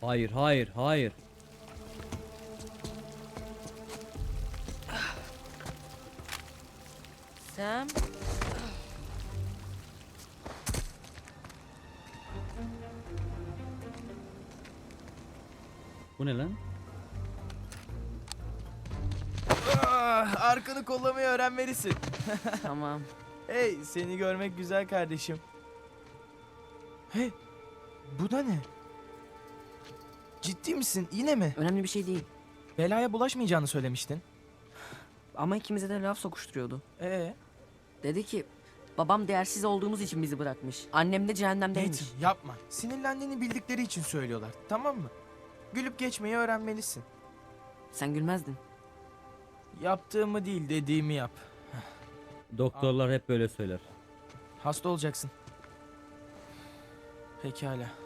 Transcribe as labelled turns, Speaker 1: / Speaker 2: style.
Speaker 1: Hayır, hayır, hayır.
Speaker 2: Sam.
Speaker 1: Bu ne lan?
Speaker 3: Arkanı kollamayı öğrenmelisin.
Speaker 2: Tamam.
Speaker 3: Hey, seni görmek güzel kardeşim. Hey, bu da ne? Ciddi misin? Yine mi?
Speaker 2: Önemli bir şey değil.
Speaker 3: Belaya bulaşmayacağını söylemiştin.
Speaker 2: Ama ikimize de laf sokuşturuyordu.
Speaker 3: Ee,
Speaker 2: Dedi ki babam değersiz olduğumuz için bizi bırakmış. Annem de cehennemdeymiş.
Speaker 3: Nathan yapma. Sinirlendiğini bildikleri için söylüyorlar. Tamam mı? Gülüp geçmeyi öğrenmelisin.
Speaker 2: Sen gülmezdin.
Speaker 3: Yaptığımı değil, dediğimi yap.
Speaker 1: Doktorlar hep böyle söyler.
Speaker 3: Hasta olacaksın. Pekala.